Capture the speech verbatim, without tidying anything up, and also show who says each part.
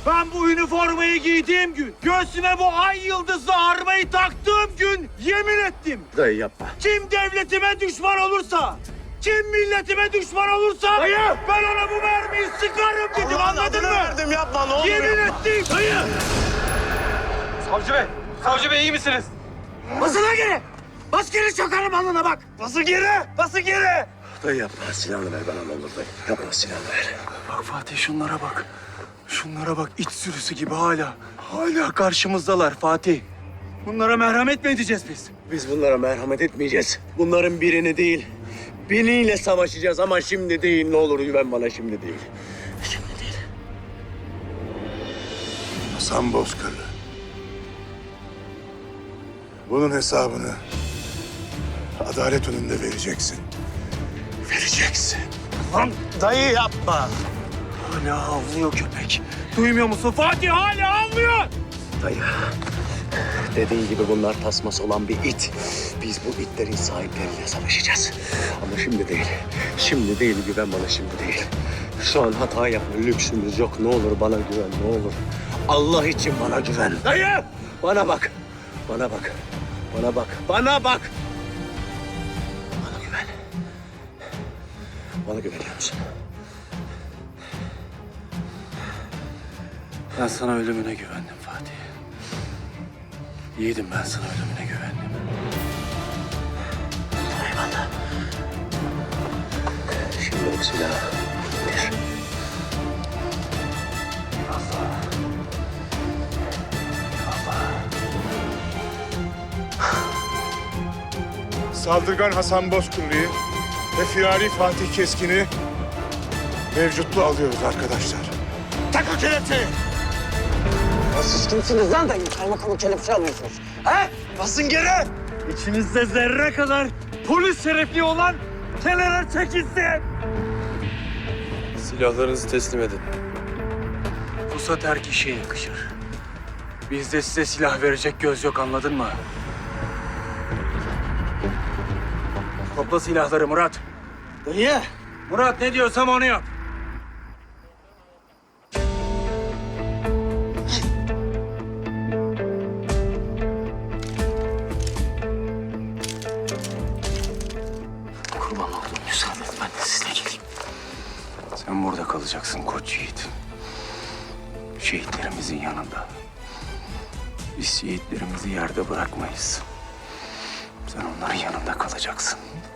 Speaker 1: Ben bu üniformayı giydiğim gün, göğsüme bu ay yıldızlı armayı taktığım gün yemin ettim.
Speaker 2: Dayı yapma.
Speaker 1: Kim devletime düşman olursa, kim milletime düşman olursa
Speaker 2: Dayı!
Speaker 1: ben ona bu mermiyi sıkarım dedim, anladın mı?
Speaker 2: Verdim, yapma ne olur
Speaker 1: Yemin
Speaker 2: yapma.
Speaker 1: ettim. Dayı!
Speaker 3: Savcı bey, savcı bey iyi misiniz?
Speaker 1: Basın lan geri! Bas geri çakarım alnına bak!
Speaker 2: Basın geri! Basın geri! Dayı yapma. Silahını ver bana ne olur dayı. Yapma silahını ver.
Speaker 4: Bak Fatih şunlara bak. Şunlara bak iç sürüsü gibi hala. Hala karşımızdalar Fatih. Bunlara merhamet mi edeceğiz biz?
Speaker 2: Biz bunlara merhamet etmeyeceğiz. Bunların birini değil, biniyle savaşacağız ama şimdi değil. Ne olur güven bana, şimdi değil. Şimdi değil.
Speaker 5: Hasan Bozkırlı. Bunun hesabını adalet önünde vereceksin. Vereceksin.
Speaker 2: Lan dayı yapma.
Speaker 1: Hala havlıyor köpek. Duymuyor musun? Fatih hala havlıyor!
Speaker 2: Dayı, dediğin gibi bunlar tasması olan bir it. Biz bu itlerin sahipleriyle savaşacağız. Ama şimdi değil. Şimdi değil, güven bana, şimdi değil. Şu an hata yapma lüksümüz yok. Ne olur bana güven, ne olur. Allah için bana güven.
Speaker 1: Dayı!
Speaker 2: Bana bak. Bana bak. Bana bak. Bana bak. Bana güven. Bana güveniyor musun?
Speaker 4: Ben sana ölümüne güvendim Fatih. Yiğidim ben sana ölümüne güvendim.
Speaker 2: Eyvallah. Şimdi o silahı indir.
Speaker 4: Eyvallah.
Speaker 5: Saldırgan Hasan Bozkırlı'yı ve firari Fatih Keskin'i mevcutlu alıyoruz arkadaşlar.
Speaker 1: Tak o kelepçeyi!
Speaker 2: Siz kimsiniz lan dayı? Kaymakamı kelepçe alıyorsunuz. He? Basın geri!
Speaker 1: İçinizde zerre kadar polis şerefli olan kenara çekilsin!
Speaker 3: Silahlarınızı teslim edin.
Speaker 4: Pusat her kişiye yakışır. Bizde size silah verecek göz yok anladın mı? Topla silahları Murat.
Speaker 1: Dayı!
Speaker 4: Murat ne diyorsam onu yap. Kurban oldum müsaade et ben de sizinle geleyim. Sen burada kalacaksın koç yiğit. Şehitlerimizin yanında. Biz şehitlerimizi yerde bırakmayız. Sen onların yanında kalacaksın.